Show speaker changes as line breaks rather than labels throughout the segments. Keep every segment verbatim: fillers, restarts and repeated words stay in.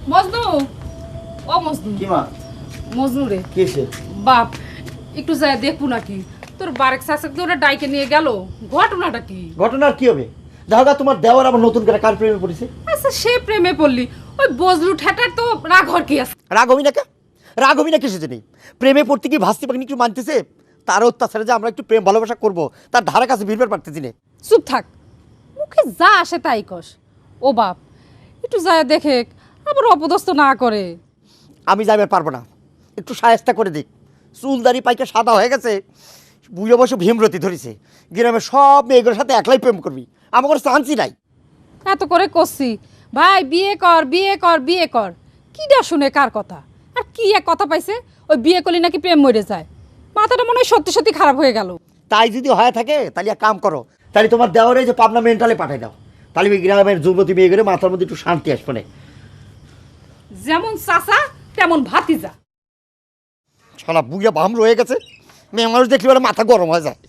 মজনু, ও মজনু।
কি মা?
মজনু রে।
কিসে?
বাপ, একটু যায় দেখবো নাকি তোর বারেক শাসক ওরা ডাইকে নিয়ে গেল, ঘটনাটা কি?
ঘটনার কি হবে? দেখা তোমার দেওয়ার আবার নতুন করে কার প্রেমে পড়েছে?
আচ্ছা সে প্রেমে পড়লি, ওই বজলু ঠেটার তো রাগ হর কি আছে?
রাগ হবি না কে? রাগ হবি না কিছু নেই। প্রেমে পড়তে কি ভাস্তি পাখি একটু মানতেছে? তার অত্যাচারে যে আমরা একটু প্রেম ভালোবাসা করবো তার ধারা কাছে ভিড়বার পারতেছি না।
চুপ থাক, মুখে যা আসে তাই কস। ও বাপ, একটু যায় দেখে আবার অপদস্থ না করে।
আমি যাইবার পারবো না, একটু সায়স্তা করে দিক। চুলদারি পাইকে সাদা হয়ে গেছে, বুঝে বসে ভীমরতি ধরেছে। গ্রামের সব মেয়েগুলোর সাথে একলাই প্রেম করবি, আমার কোনো চান্সই নাই।
এত করে করছি ভাই বিয়ে কর বিয়ে কর বিয়ে কর, কিডা শুনে কার কথা? আর কি এক কথা পাইছে, ওই বিয়ে করলে নাকি প্রেম মরে যায়। মাথাটা মনে হয় সত্যি সত্যি খারাপ হয়ে গেল।
তাই যদি হয়ে থাকে তাহলে এক কাম করো, তাহলে তোমার দেওয়ারে যে পাবনা মেন্টালে পাঠাই দাও, তাহলে ওই গ্রামের যুবতী মেয়েগুলো মাথার মধ্যে একটু শান্তি আসবে না।
যেমন চাচা তেমন ভাতিজা।
সারা বুঝে বাম রয়ে গেছে, মেয়ে মানুষ দেখলে বলে মাথা গরম হয়ে যায়।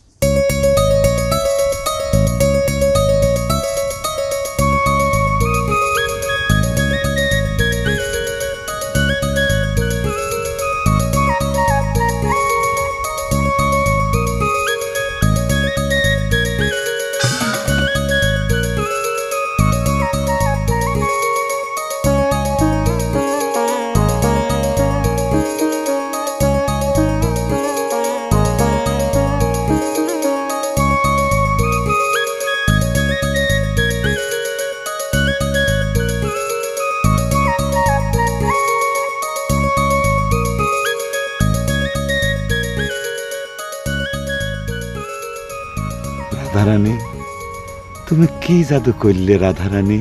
রাধারানী, তুমি কি জাদু করলে রাধারানী?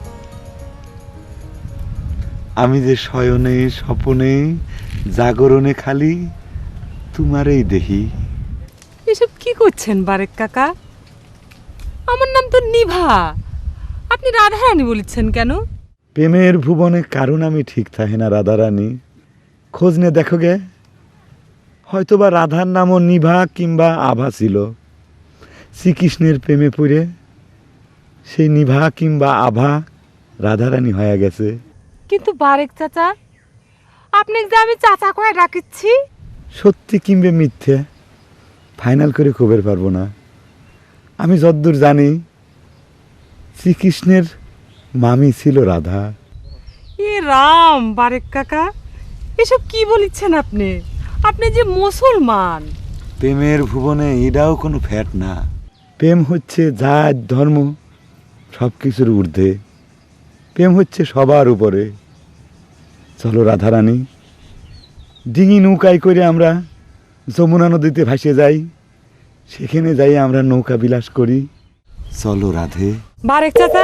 আমি যে শয়নে স্বপনে জাগরণে খালি তোমারই দেহি।
এসব কি করছেন বারেক কাকা? আমার নাম তো নিভা, আপনি রাধারানী বলেছেন কেন?
প্রেমের ভুবনে কারণ আমি ঠিক থাকে না রাধারানী, খোঁজ নে দেখো গে। হয়তোবা রাধার নামও নিভা কিংবা আভা ছিল। শ্রীকৃষ্ণের প্রেমে পড়ে সেই নিভা কিংবা আভা রাধারানী হয়ে গেছে।
কিন্তু বারেক চাচা, আপনি যে আমি চাচা কয়ে ডাকিচ্ছি।
সত্যি কিংবা মিথ্যে ফাইনাল করে খবর পারবো না। আমি যদ্দূর জানি শ্রীকৃষ্ণের মামি ছিল রাধা।
এ রাম বারেক কাকা, এসব কি বলিচ্ছেন আপনি? আপনি যে মুসলমান।
প্রেমের ভুবনে এটাও কোনো ফ্যাট না। প্রেম হচ্ছে জাত ধর্ম সব কিছুর ঊর্ধ্বে। প্রেম হচ্ছে সবার উপরে। চলো রাধারানী, ডিঙি নৌকায় করে আমরা যমুনা নদীতে ভাসে যাই, সেখানে যাই আমরা নৌকা বিলাস করি। চলো রাধে।
বারেক চাচা,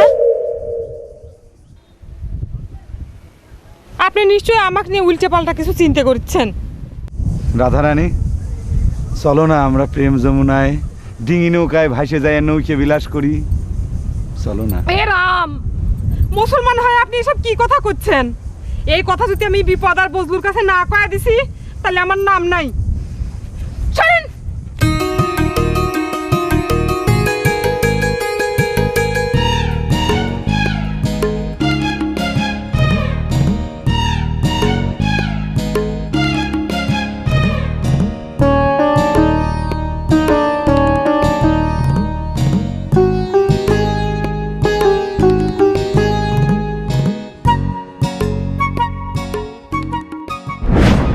আপনি নিশ্চয়ই আমাকে নিয়ে উল্টে পাল্টা কিছু চিন্তা করছেন।
রাধারানী, চলো না আমরা প্রেম যমুনায় ডিঙি নৌকায় ভাসে যাই, নৌকে বিলাস করি। চলো না।
এ রাম, মুসলমান হয়ে আপনি এসব কি কথা করছেন? এই কথা যদি আমি বিপদ আর বজলুর কাছে না কয়া দিছি, তাহলে আমার নাম নাই।